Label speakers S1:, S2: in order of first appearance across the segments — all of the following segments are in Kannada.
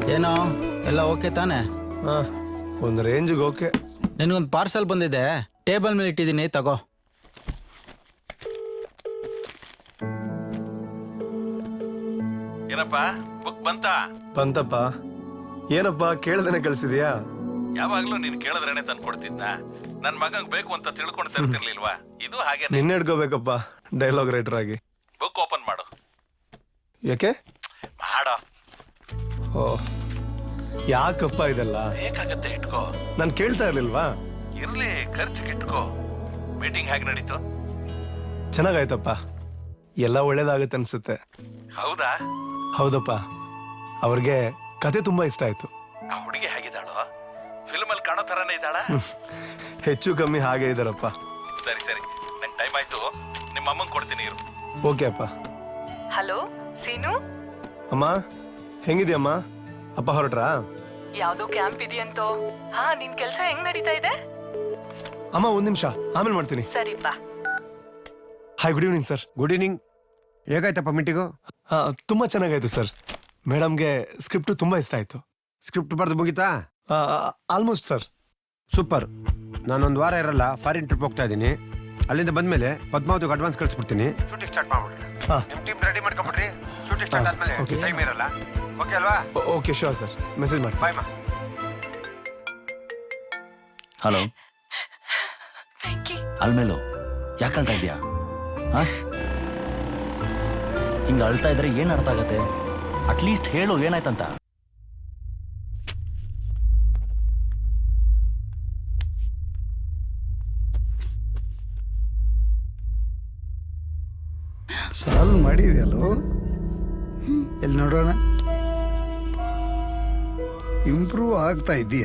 S1: ಏನೋ ಎಲ್ಲ ಓಕೆ ತಾನೆ?
S2: ಒಂದು ರೇಂಜಿಗೆ ಓಕೆ.
S1: ನಿನಗೊಂದು ಪಾರ್ಸಲ್ ಬಂದಿದೆ, ಟೇಬಲ್ ಮೇಲೆ ಇಟ್ಟಿದ್ದೀನಿ, ತಗೋ.
S3: ಏನಪ್ಪ ಬುಕ್
S2: ಬಂತಪ್ಪ. ಏನಪ್ಪ ಕೇಳ್ದೇನೆ ಕಳ್ಸಿದ್ಯಾ?
S3: ಯಾವಾಗ್ಲೂ ನೀನ್ ಕೇಳಿದ್ರೇನೆ ತಂದು ಕೊಡ್ತಿದ್ನ. ನನ್ ಮಗಂಗ್ ಬೇಕು ಅಂತ ತಿಳ್ಕೊಂಡು ತರ್ತಿರ್ಲಿಲ್ವಾ? ಇದು ಹಾಗೆ.
S2: ನಿನ್ನೆ ಇಟ್ಕೋಬೇಕಪ್ಪ ಡೈಲಾಗ್ ರೈಟರ್ ಆಗಿ.
S3: ಬುಕ್ ಓಪನ್ ಮಾಡು.
S2: ಯಾಕೆ
S3: ಮಾಡೋ?
S2: ಓ ಯಾಕಪ್ಪ ಇದೆಲ್ಲ?
S3: ಬೇಕಾಗತ್ತೆ, ಇಟ್ಕೋ.
S2: ನಾನು ಕೇಳ್ತಾ ಇರ್ಲಿಲ್ವಾ?
S3: ಇರ್ಲಿ, ಖರ್ಚಿಗೆ ಇಟ್ಕೋ. ಮೀಟಿಂಗ್ ಹೇಗೆ ನಡೀತು?
S2: ಚೆನ್ನಾಗಾಯ್ತಪ್ಪ, ಎಲ್ಲ ಒಳ್ಳೇದಾಗುತ್ತೆ ಅನ್ಸುತ್ತೆ.
S3: ಹೌದಾ?
S2: ಹೌದಪ್ಪ, ಅವ್ರಿಗೆ ಕತೆ ತುಂಬಾ ಇಷ್ಟ ಆಯ್ತು.
S3: ಆ ಹುಡುಗಿ ಹೇಗಿದ್ದಾಳೋ? ಫಿಲ್ಮ್ ಅಲ್ಲಿ ಕಾಣೋ ತರಾನೇ ಇದ್ದಾಳ?
S2: ಹೆಚ್ಚು ಕಮ್ಮಿ ಹಾಗೆ ಇದಾರಪ್ಪ.
S3: ಸರಿ ಸರಿ, ನಂಗೆ ಟೈಮ್ ಆಯ್ತು, ನಿಮ್ಮ ಅಮ್ಮಂಗ್ ಕೊಡ್ತೀನಿ ಇರು.
S2: ಓಕೆ ಅಪ್ಪ.
S4: ಹಲೋ ಸೀನು,
S2: ಅಮ್ಮ ಹೆಂಗಿದ್ಯಮ್ಮ? ಅಪ್ಪ ಹೊರಟ್ರಾ?
S4: ಯಾವ್ದೋ ಕ್ಯಾಂಪ್ ಇದೆಯಂತೋ. ಹಾ, ನಿನ್ ಕೆಲ್ಸ ಹೆಂಗ್ ನಡೀತಾ ಇದೆ?
S2: ಅಮ್ಮ ಒಂದ್ ನಿಮಿಷ, ಆಮೇಲೆ ಮಾಡ್ತೀನಿ.
S4: ಸರಿಪಾ.
S2: Hi, good evening sir.
S5: Good evening. ಹೇಗಾಯ್ತಪ್ಪ ಮೀಟಿಂಗು?
S2: ತುಂಬಾ ಚೆನ್ನಾಗಾಯ್ತು ಸರ್. ಮೇಡಮ್ಗೆ ಸ್ಕ್ರಿಪ್ಟ್ ತುಂಬಾ ಇಷ್ಟ ಆಯ್ತು.
S5: ಸ್ಕ್ರಿಪ್ಟ್ ಬರ್ದು ಮುಗಿತಾ?
S2: Almost sir.
S5: ಸೂಪರ್. ನಾನೊಂದು ವಾರ ಇರಲ್ಲ, ಫಾರಿನ್ ಟ್ರಿಪ್ ಹೋಗ್ತಾ ಇದ್ದೀನಿ. ಅಲ್ಲಿಂದ ಬಂದ್ಮೇಲೆ ಪದ್ಮಾವತಿಗೆ ಅಡ್ವಾನ್ಸ್ ಕಳಿಸ್ಬಿಡ್ತೀನಿ. ಶೂಟಿಂಗ್ ಸ್ಟಾರ್ಟ್ ಮಾಡ್ಬಿಡ್ರಿ. ನಿಮ್ಮ ಟೀಮ್ ರೆಡಿ ಮಾಡ್ಕೊಂಬಿಡ್ರಿ. ಶೂಟಿಂಗ್ ಸ್ಟಾರ್ಟ್ ಆದ್ಮೇಲೆ ಟೈಮ್ ಇರಲ್ಲ. ಓಕೆ ಅಲ್ವಾ?
S2: ಓಕೆ ಶೋರ್ ಸರ್, ಮೆಸೇಜ್ ಮಾಡಿ.
S5: ಬಾಯ್ ಮಾ.
S6: ಹಲೋ ಅಲ್ಮೇಲು, ಯಾಕೆ ಅಳ್ತಾ ಇದೆಯಾ? ಹಿಂಗೆ ಅಳ್ತಾ ಇದ್ರೆ ಏನು ಅರ್ಥ ಆಗತ್ತೆ? ಅಟ್ಲೀಸ್ಟ್ ಹೇಳು ಏನಾಯ್ತಂತ.
S7: ಸಾಲ್ವ್ ಮಾಡಿದೆಯಲ್ಲೋ? ಎಲ್ಲಿ ನೋಡೋಣ. ಇಂಪ್ರೂವ್ ಆಗ್ತಾ ಇದೀಯ.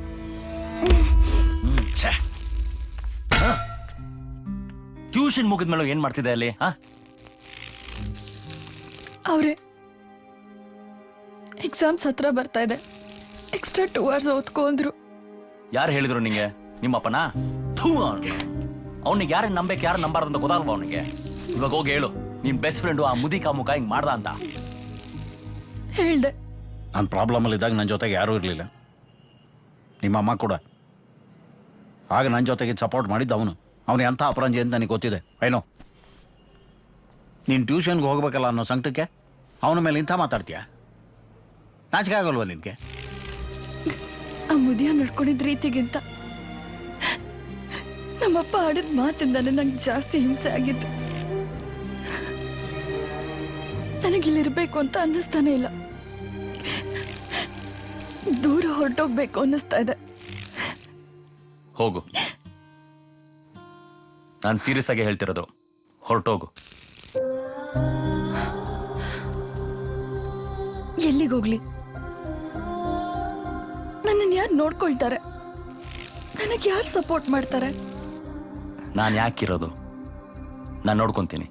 S6: ಟ್ಯೂಷನ್ ಮುಗಿದ್ಮೇಲೆ ಏನ್ ಮಾಡ್ತಿದ್ದೆ ಅಲ್ಲಿ?
S8: ಅವ್ರೆ ಎಕ್ಸಾಮ್ಸ್ ಹತ್ರ ಬರ್ತಾ ಇದೆ, ಎಕ್ಸ್ಟ್ರಾ 2 hours ಓದ್ಕೊಂಡ್ರು.
S6: ಯಾರು ಹೇಳಿದ್ರು ನಿಂಗೆ? ನಿಮ್ಮಪ್ಪನ? ಅವನಿಗೆ ಯಾರನ್ನ ನಂಬೇಕು, ಯಾರು ನಂಬಾರ್ದು ಅಂತ ಗೊತ್ತಾಗಲ್ವ ಅವನಿಗೆ? ಇವಾಗ ಹೋಗಿ ಹೇಳು, ನಿನ್ ಬೆಸ್ಟ್ ಫ್ರೆಂಡು ಆ ಮುದಿ ಕಾಮುಕ ಹಿಂಗ್ ಮಾಡ್ದ ಅಂತ.
S8: ಹೇಳ್ದೆ.
S9: ನಾನು ಪ್ರಾಬ್ಲಮಲ್ಲಿ ಇದ್ದಾಗ ನನ್ನ ಜೊತೆಗೆ ಯಾರೂ ಇರಲಿಲ್ಲ. ನಿಮ್ಮ ಅಮ್ಮ ಕೂಡ. ಆಗ ನನ್ನ ಜೊತೆಗೆ ಸಪೋರ್ಟ್ ಮಾಡಿದ್ದು ಅವನು ಎಂಥ ಅಪರಂಜಿ ಅಂತ ನನಗೆ ಗೊತ್ತಿದೆ. ಏನೋ ನೀನು ಟ್ಯೂಷನ್ಗೆ ಹೋಗ್ಬೇಕಲ್ಲ ಅನ್ನೋ ಸಂಕಟಕ್ಕೆ ಅವನ ಮೇಲೆ ಇಂಥ ಮಾತಾಡ್ತೀಯ? ನಾಚಿಕೆ ಆಗಲ್ವ ನಿನಗೆ?
S8: ಆ ಮುದಿಯ ನಡ್ಕೊಂಡಿದ್ದ ರೀತಿಗಿಂತ ನಮ್ಮಪ್ಪ ಆಡಿದ ಮಾತಿಂದಾನೆ ನಂಗೆ ಜಾಸ್ತಿ ಹಿಂಸೆ ಆಗಿತ್ತು. ನನಗಿಲ್ಲಿರ್ಬೇಕು ಅಂತ ಅನ್ನಿಸ್ತಾನೆ ಇಲ್ಲ, ದೂರ ಹೊರಟೋಗ್ಬೇಕು ಅನ್ನಿಸ್ತಾ ಇದೆ.
S6: ಹೋಗು, ನಾನು ಸೀರಿಯಸ್ ಆಗಿ ಹೇಳ್ತಿರೋದು, ಹೊರಟೋಗು.
S8: ಎಲ್ಲಿಗೋಗ್ಲಿ? ನನ್ನನ್ನು ಯಾರು ನೋಡ್ಕೊಳ್ತಾರೆ? ನನಗೆ ಯಾರು ಸಪೋರ್ಟ್ ಮಾಡ್ತಾರೆ?
S6: ನಾನು ಯಾಕಿರೋದು? ನಾನು ನೋಡ್ಕೊಂತೀನಿ.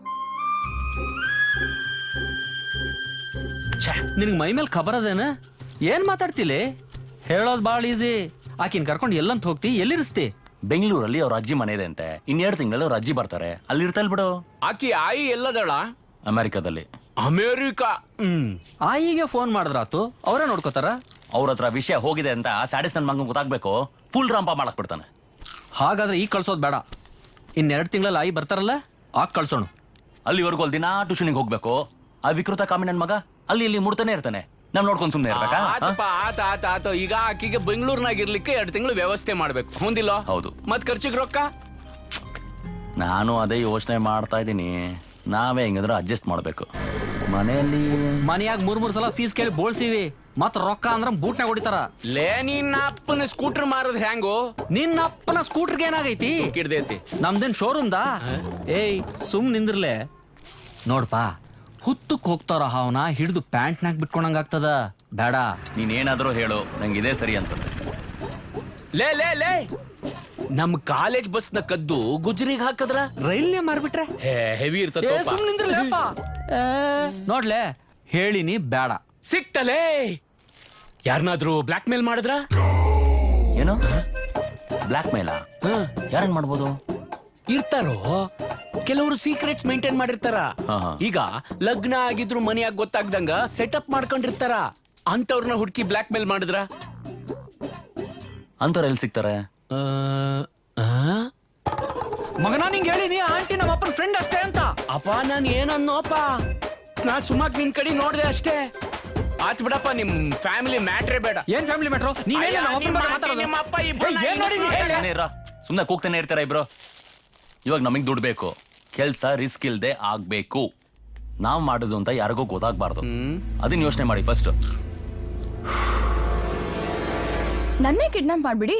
S1: ನಿನಗೆ ಮೈ ಮೇಲೆ ಖಬರ್ ಅದೇನ? ಏನ್ ಮಾತಾಡ್ತಿಲಿ? ಹೇಳೋದು ಭಾಳ ಈಸಿ. ಆಕಿನ್ ಕರ್ಕೊಂಡು ಎಲ್ಲಂತ ಹೋಗ್ತಿ, ಎಲ್ಲಿರಿಸ್ತಿ?
S6: ಬೆಂಗಳೂರಲ್ಲಿ ಅವ್ರ ಅಜ್ಜಿ ಮನೆ ಇದೆ ಅಂತೆ. 2 ತಿಂಗಳಲ್ಲಿ ಅವ್ರ ಅಜ್ಜಿ ಬರ್ತಾರೆ, ಅಲ್ಲಿ ಇರ್ತಾ ಬಿಡು.
S1: ಆಕಿ ಆಯಿ ಎಲ್ಲದಳ?
S6: ಅಮೆರಿಕಾದಲ್ಲಿ.
S1: ಅಮೇರಿಕಾ? ಆಯಿಗೆ ಫೋನ್ ಮಾಡಿದ್ರಾತು, ಅವರೇ ನೋಡ್ಕೋತಾರ.
S6: ಅವ್ರ ಹತ್ರ ವಿಷಯ ಹೋಗಿದೆ ಅಂತ ಸ್ಯಾಡಿಸ್ ನನ್ನ ಮಗನ್ ಗೊತ್ತಾಗ್ಬೇಕು, ಫುಲ್ ರಂಪ ಮಾಡಕ್ ಬಿಡ್ತಾನೆ.
S1: ಹಾಗಾದ್ರೆ ಈಗ ಕಳ್ಸೋದು ಬೇಡ, 2 ತಿಂಗಳಲ್ಲಿ ಆಯಿ ಬರ್ತಾರಲ್ಲ, ಆಗ ಕಳ್ಸೋಣ.
S6: ಅಲ್ಲಿವರೆಗೂ ಅಲ್ಲಿ ದಿನ ಟ್ಯೂಷನ್ಗೆ ಹೋಗ್ಬೇಕು. ಆ ವಿಕೃತ ಕಾಮಿ ನನ್ ಮಗ ಅಲ್ಲಿ ಇಲ್ಲಿ ಮುಡ್ತಾನೆ ಇರ್ತಾನೆ. ನಾವ್ ನೋಡ್ಕೊಂಡ್ ಸುಮ್ನೆ ಇರ್ಬೇಕಾ?
S1: ಆತ ಈಗ ಆಕಿಗೆ ಬೆಂಗಳೂರಿನಾಗ ಇರ್ಲಿಕ್ಕೆ 2 ತಿಂಗಳು ವ್ಯವಸ್ಥೆ ಮಾಡ್ಬೇಕು, ಹೊಂದಿಲ್ಲ?
S6: ಹೌದು.
S1: ಮತ್ ಖರ್ಚಿಗೆ ರೊಕ್ಕ?
S6: ನಾನು ಅದೇ ಯೋಚನೆ ಮಾಡ್ತಾ ಇದ್ದೀನಿ. ನಾವೇ ಹೆಂಗಂದ್ರೆ ಅಡ್ಜಸ್ಟ್ ಮಾಡ್ಬೇಕು.
S1: ಮನೆಯಾಗ 3 ಸಲ ಫೀಸ್ ಕೇಳಿ ಬೋಳ್ಸಿವಿ, ಮತ್ ರೊಕ್ಕ ಅಂದ್ರ ಬೂಟ್ನಾಗ ಹೊಡಿತಾರ. ಲೇ, ನಿನ್ನ ಅಪ್ಪನ ಸ್ಕೂಟರ್ ಮಾರದ್ ಹ್ಯಾಂಗು? ನಿನ್ನ ಅಪ್ಪನ ಸ್ಕೂಟರ್ಗೆ ಏನಾಗೈತಿ? ಕಿಡ್ದೈತಿ. ನಮ್ದೇನ್ ಶೋರೂಮ್ದಾ? ಏಯ್ ಸುಮ್ ನಿಂದ್ರಲೆ. ನೋಡ್ಪಾ, ಹುತ್ತಕ್ ಹೋಗ್ತಾರ ಹಾವನ ಹಿಡಿದು ಪ್ಯಾಂಟ್ನಾಗ ಬಿಟ್ಕೊಂಡಂಗ ಆಗ್ತದ. ಬೇಡ.
S6: ನೀನೇನಾದ್ರೂ ಹೇಳು, ನಂಗೆ ಇದೇ ಸರಿ ಅನ್ಸುತ್ತೆ.
S1: ಲೇ ಲೇ ಲೇ, ನಮ್ ಕಾಲೇಜ್ ಬಸ್ ನ ಕದ್ದು ಗುಜರಿಗೆ ಹಾಕದ್ರ ರೈಲ್ನೇ ಮಾರ್ಬಿಟ್ರೆ ಹೆವಿ ಇರ್ತದ. ನೋಡ್ಲೆ, ಹೇಳಿನಿ ಬೇಡ. ಸಿಕ್ತಲೇ, ಯಾರನ್ನಾದ್ರೂ ಬ್ಲಾಕ್ ಮೇಲ್ ಮಾಡಿದ್ರ?
S6: ಏನು ಬ್ಲಾಕ್ ಮೇಲಾ? ಯಾರನ್ ಮಾಡ್ಬೋದು?
S1: ಇರ್ತಾರೋ ಕೆಲವರು ಸೀಕ್ರೆಟ್ಸ್ ಮೇಂಟೈನ್ ಮಾಡಿರ್ತಾರ. ಈಗ ಲಗ್ನ ಆಗಿದ್ರು ಮನೆಯಾಗ ಗೊತ್ತಾಗ್ದಂಗ ಸೆಟಪ್ ಮಾಡ್ಕೊಂಡಿರ್ತಾರ. ಅಂತವ್ರನ್ನ ಹುಡುಕಿ ಬ್ಲಾಕ್ ಮೇಲ್ ಮಾಡಿದ್ರ?
S6: ಅಂತವ್ರು ಎಲ್ಲಿ ಸಿಗ್ತಾರೆ?
S1: ಮಗನ ನಿಂಗೆ ಹೇಳಿನಿ ಆಂಟಿ ನಮ್ಮ ಅಪ್ಪನ ಫ್ರೆಂಡ್ ಅಷ್ಟೇ ಅಂತ. ಅಪ್ಪ ನಾನು ಏನನ್ನೋಪ್ಪ, ನಾ ಸುಮಾಕ್ ನಿನ್ ಕಡೆ ನೋಡ್ದೆ ಅಷ್ಟೇ. ಆತ್ ಬಿಡಪ್ಪ, ನಿಮ್ ಫ್ಯಾಮಿಲಿ ಮ್ಯಾಟ್ರೇ ಬೇಡ. ಏನ್ ಫ್ಯಾಮಿಲಿ ಮ್ಯಾಟ್ರು?
S6: ಸುಮ್ನೆ ಕೂಗ್ತಾನೆ ಇರ್ತಾರ ಇಬ್ರು. ಇವಾಗ ನಮಗ್ ದುಡ್ಡು ಬೇಕು, ಕೆಲ್ಸ ರಿಸ್ಕ್ ಇಲ್ದೆ ಆಗ್ಬೇಕು. ನಾವ್ ಮಾಡುದು ಅಂತ ಯಾರಿಗೂ ಗೊತ್ತಾಗ್ಬಾರ್ದು. ಅದನ್ನ ಯೋಚನೆ ಮಾಡಿ ಫಸ್ಟ್.
S8: ನನ್ನೇ ಕಿಡ್ನಾಪ್ ಮಾಡ್ಬಿಡಿ.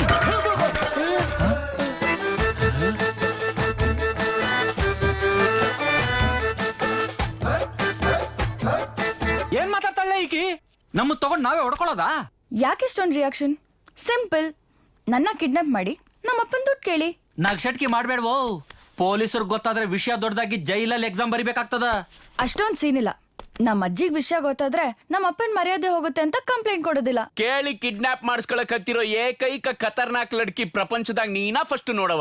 S1: ಏನ್ ಮಾತಾಡ್ತಾಳೆ ಈಕಿ? ನಮ್ಮ ತಗೊಂಡ್ ನಾವೇ ಹೊಡ್ಕೊಳ್ಳೋದಾ?
S8: ಯಾಕೆಷ್ಟೊಂದು ರಿಯಾಕ್ಷನ್? ಸಿಂಪಲ್, ನನ್ನ ಕಿಡ್ನಾಪ್ ಮಾಡಿ ನಮ್ಮ ಅಪ್ಪನ ದುಡ್ಡು ಕೇಳಿ.
S1: ನಗ್ಸಟ್ಕಿ ಮಾಡ್ಬೇಡ್ವೋ, ಪೊಲೀಸರು ಗೊತ್ತಾದ್ರೆ ವಿಷಯ ದೊಡ್ಡದಾಗಿ ಜೈಲಲ್ಲಿ ಎಕ್ಸಾಮ್ ಬರಿಬೇಕಾಗ್ತದ.
S8: ಅಷ್ಟೊಂದ್ ಸೀನ್ ಇಲ್ಲ. ನಮ್ಮ ಅಜ್ಜಿಗ್ ವಿಷಯ ಗೊತ್ತಾದ್ರೆ ನಮ್ಮ ಅಪ್ಪನ ಮರ್ಯಾದೆ ಹೋಗುತ್ತೆ ಅಂತ ಕಂಪ್ಲೇಂಟ್ ಕೊಡೋದಿಲ್ಲ.
S1: ಕೇಳಿ ಕಿಡ್ನಾಪ್ ಮಾಡಿಸ್ಕೊಳಕ್ ಹತ್ತಿರೋ ಏಕೈಕ ಖತರ್ನಾಕ್ ಲಡ್ಕಿ ಪ್ರಪಂಚದಾಗ ನೀನಾ ಫಸ್ಟ್ ನೋಡವ.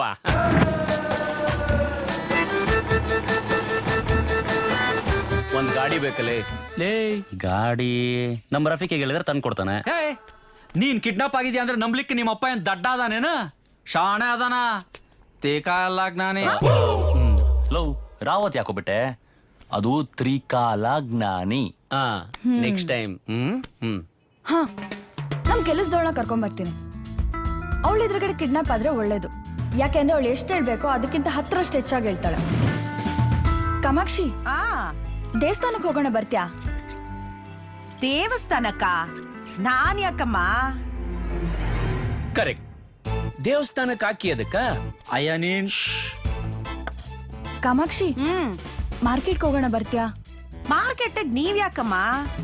S1: ಒಂದ್ ಗಾಡಿ ಬೇಕಲ್ಲೇ? ಲೇ
S6: ಗಾಡಿ ನಮ್ಮ ರಫೀಕ್ ಹೇಳಿದ್ರೆ ತಂದು ಕೊಡ್ತಾನೆ.
S1: ನೀನ್ ಕಿಡ್ನಾಪ್ ಆಗಿದ್ಯಾ ಅಂದ್ರೆ ನಂಬ್ಲಿಕ್ಕೆ ನಿಮ್ಮ ಅಪ್ಪ ಏನ್ ದಡ್ಡ ಅದಾನೇನ? ಶಾಣೆ ಅದಾನ, ತೇಕಾಲಾಗ್ ನಾನೇ.
S6: ಲವ್ ರಾವತ್ ಯಾಕೋಬಿಟ್ಟೆ? ಅದು ತ್ರಿಕಾಲ ಜ್ಞಾನಿ.
S1: Next time.
S8: ಹಾ, ನಮ್ ಕೆಲಸದವಳನ್ನ ಕರ್ಕೊಂಡ್ ಬರ್ತೀನಿ. ಅವಳ ಎದುರುಗಡೆ ಕಿಡ್ನಾಪ್ ಆದ್ರೆ ಒಳ್ಳೇದು. ಯಾಕೆಂದ್ರೆ ಅವಳು ಎಷ್ಟು ಹೇಳ್ಬೇಕೋ ಅದಕ್ಕಿಂತ 10ರಷ್ಟು ಹೆಚ್ಚಾಗಿ ಹೇಳ್ತಾಳೆ. ಕಾಮಾಕ್ಷಿ, ದೇವಸ್ಥಾನಕ್ಕೆ ಹೋಗೋಣ, ಬರ್ತ್ಯಾ?
S4: ದೇವಸ್ಥಾನಕ್ಕ? ನಾನ್ ಯಾಕಮ್ಮ?
S1: ಕರೆಕ್ಟ್, ದೇವಸ್ಥಾನಕ್ಕೆ ಹಾಕಿ ಅದಕ್ಕ. ಅಯ್ಯ ನೀನ್
S8: ಕಾಮಾಕ್ಷಿ, ಮಾರ್ಕೆಟ್ಗೆ ಹೋಗೋಣ, ಬರ್ತ್ಯಾ?
S4: ಮಾರ್ಕೆಟ್ ನೀವ್ ಯಾಕಮ್ಮ?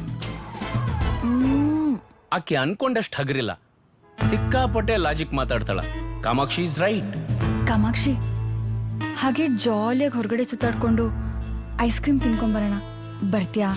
S1: ಆಕೆ ಅನ್ಕೊಂಡಷ್ಟು ಹಗರಿಲ್ಲ, ಸಿಕ್ಕಾಪಟ್ಟೆ ಲಾಜಿಕ್ ಮಾತಾಡ್ತಾಳ. Kamakshi is right.
S8: ಕಾಮಾಕ್ಷಿ, ಹಾಗೆ ಜಾಲಿಯಾಗಿ ಹೊರಗಡೆ ಸುತ್ತಾಡ್ಕೊಂಡು ಐಸ್ ಕ್ರೀಮ್ ತಿನ್ಕೊಂಬರೋಣ, ಬರ್ತ್ಯಾ?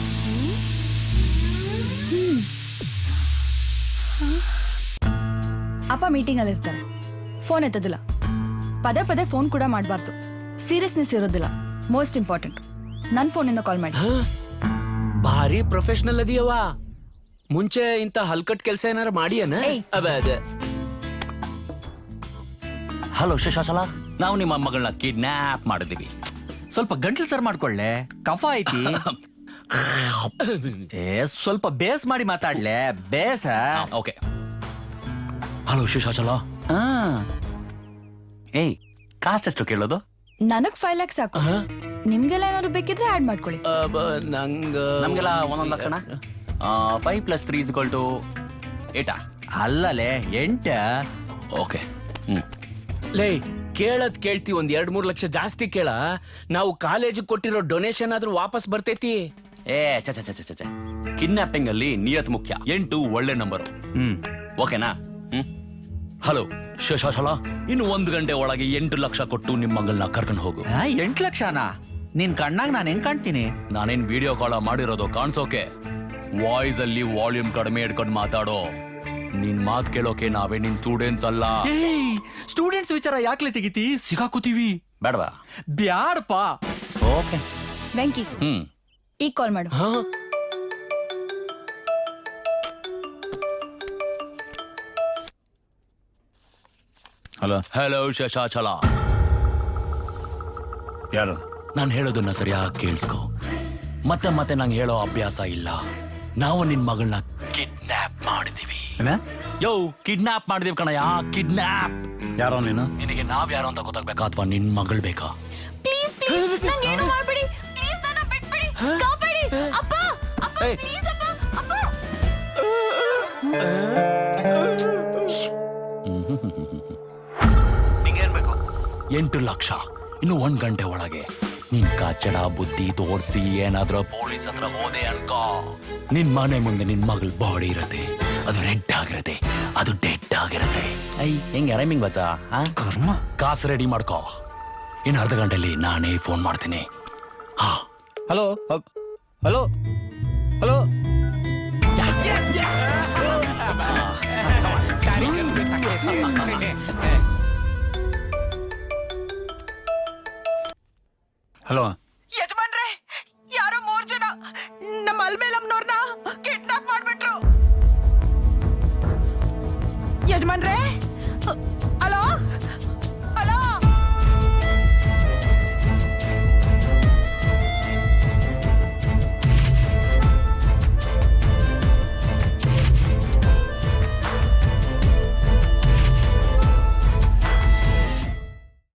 S8: ಅಪ್ಪ ಮೀಟಿಂಗ್ ಅಲ್ಲಿ ಇರ್ತಾರೆ, ಫೋನ್ ಎತ್ತೋದಿಲ್ಲ. ಪದೇ ಪದೇ ಫೋನ್ ಕೂಡ ಮಾಡಬಾರ್ದು, ಸೀರಿಯಸ್ನೆಸ್ ಇರೋದಿಲ್ಲ. ಮೋಸ್ಟ್ ಇಂಪಾರ್ಟೆಂಟ್, ನನ್ನ ಫೋನಿಂದ ಕಾಲ್ ಮಾಡಿ.
S1: ಭಾರಿ ಪ್ರೊಫೆಷನಲ್ ಅದಿಯವ. ಮುಂಚೆ ಇಂತ ಹಲ್ಕಟ್ ಕೆಲಸ ಏನಾರ ಮಾಡಿಯನ?
S6: ಹಲೋ ಶಶಾಶಲ, ನಾವು ನಿಮ್ಮ ಮಗಳನ್ನ ಕಿಡ್ನಾಪ್ ಮಾಡಿದೀವಿ.
S1: ಸ್ವಲ್ಪ ಗಂಟ್ಲು ಸರ್ ಮಾಡ್ಕೊಳ್ಳೆ, ಕಫ ಐತಿ. ಸ್ವಲ್ಪ ಬೇಸ್ ಮಾಡಿ ಮಾತಾಡ್ಲೆ, ಬೇಸ.
S6: ಓಕೆ. ಹಲೋ ಶಶಾಶಲ. ಏಯ್, ಕಾಸ್ಟ್ ಎಷ್ಟು ಕೇಳೋದು?
S8: ನನಗ್ 5 lakhs ಸಾಕು. ನಿಮ್ಗೆಲ್ಲ ಏನಾದ್ರು ಬೇಕಿದ್ರೆ ಆಡ್ ಮಾಡ್ಕೊಳ್ಳಿ.
S6: ನಮ್ಗೆಲ್ಲ 1 ಲಕ್ಷಣ. 5 + 3 = 8.
S1: ಅಲ್ಲಲೇ 8.
S6: ಓಕೆ.
S1: ಲೇ, ಕೇಳದ್ ಕೇಳ್ತಿ, ಒಂದ್ 2-3 ಲಕ್ಷ ಜಾಸ್ತಿ ಕೇಳ. ನಾವು ಕಾಲೇಜಿಗೆ ಕೊಟ್ಟಿರೋ ಡೊನೇಷನ್ ಆದ್ರೂ ವಾಪಸ್ ಬರ್ತೈತಿ.
S6: ಚ ಕಿಡ್ನಾಪಿಂಗ್ ಅಲ್ಲಿ ನಿಯತ್ ಮುಖ್ಯ. 8 ಒಳ್ಳೆ ನಂಬರು. ಓಕೆನಾ? ಹಲೋ ಶಶಾಶಲ, ಇನ್ನು 1 ಗಂಟೆ ಒಳಗೆ 8 ಲಕ್ಷ ಕೊಟ್ಟು ನಿಮ್ಮ ಮಗಳನ್ನ ಕರ್ಕೊಂಡು ಹೋಗು.
S1: 8 ಲಕ್ಷನಾ? ನಿನ್ ಕಣ್ಣಾಗ ನಾನು ಹೆಂಗ್ ಕಾಣ್ತೀನಿ?
S6: ನಾನೇನ್ ವಿಡಿಯೋ ಕಾಲ್ ಮಾಡಿರೋದು ಕಾಣಿಸೋಕೆ. ವಾಯ್ಸ್ ಅಲ್ಲಿ ವಾಲ್ಯೂಮ್ ಕಡಿಮೆ ಇಟ್ಕೊಂಡು ಮಾತಾಡೋ. ನಿನ್ ಮಾತ್ ಕೇಳೋಕೆ ನಾವೇ ನಿನ್ ಸ್ಟೂಡೆಂಟ್ಸ್ ಅಲ್ಲ.
S1: ಸ್ಟೂಡೆಂಟ್ಸ್ ವಿಚಾರ ಯಾಕ್ಲೆ ತೆಗಿತಿ? ಸಿಗಾಕೋತೀವಿ.
S6: ಬೇಡವಾ?
S1: ಬ್ಯಾಡಪ್ಪ.
S6: ಓಕೆ.
S8: ವೆಂಕಿ, ಈಗ ಕಾಲ್ ಮಾಡು.
S6: ಹಲೋ ಶಶಾಚಲ.
S9: ಯಾರು?
S6: ನಾನು ಹೇಳೋದನ್ನ ಸರಿಯಾಗಿ ಕೇಳಿಸ್ಕೊ. ಮತ್ತೆ ಮತ್ತೆ ನಂಗೆ ಹೇಳೋ ಅಭ್ಯಾಸ ಇಲ್ಲ. ನಾವು ನಿನ್ ಮಗಳನ್ನ ಕಿಡ್ನಾಪ್ ಮಾಡಿದೀವಿ. ಯೋ, ಕಿಡ್ನಾಪ್ ಮಾಡಿದೀವಿ ಕಣಯ್ಯ, ಕಿಡ್ನಾಪ್.
S9: ಯಾರೋ ನೀನು?
S6: ನಿನಗೆ ನಾವ್ ಯಾರೋ ಅಂತ ಗೊತ್ತಾಗ್ಬೇಕಾ ಅಥವಾ ನಿನ್ ಮಗಳು ಬೇಕಾ?
S8: ಪ್ಲೀಸ್ ಪ್ಲೀಸ್, ನಂಗೆ ಏನು ಮಾಡ್ಬೇಡಿ. ಪ್ಲೀಸ್ ನನ್ನ ಬಿಟ್ಬಿಡಿ, ಕಾಪಾಡಿ. ಅಪ್ಪ ಅಪ್ಪ, ಪ್ಲೀಸ್ ಅಪ್ಪ, ಅಪ್ಪ.
S6: 8 ಲಕ್ಷ ಇನ್ನು 1 ಗಂಟೆ ಒಳಗೆ. ನಿನ್ ಕಚ್ಚಡ ಬುದ್ಧಿ ತೋರ್ಸಿ ಏನಾದ್ರೂ ಪೊಲೀಸ್ ಹತ್ರ ಹೋದೆ ಅನ್ಕೋ, ನಿನ್ ಮನೆ ಮುಂದೆ ನಿನ್ ಮಗಳ ಬಾಡಿ ಇರತ್ತೆ. ಅದು ರೆಡ್ ಆಗಿರತ್ತೆ, ಅದು ಡೆಡ್ ಆಗಿರತ್ತೆ. ಹೆಂಗೆ ರೈಮಿಂಗ್ ಬಚ್ಚ? ಕಾಸು ರೆಡಿ ಮಾಡ್ಕೋ. ಇನ್ನು ಅರ್ಧ ಗಂಟೆಲಿ ನಾನೇ ಫೋನ್ ಮಾಡ್ತೀನಿ.
S9: Hello hello hello. ಹಲೋ
S4: ಯಜಮಾನ್ರೆ, ಯಾರೋ 3 ಜನ ನಮ್ಮ ಅಲ್ಮೇಲಮ್ನವ್ರನ್ನ ಕಿಡ್ನಾಪ್ ಮಾಡ್ಬಿಟ್ರು. ಯಜಮಾನ್ರೆ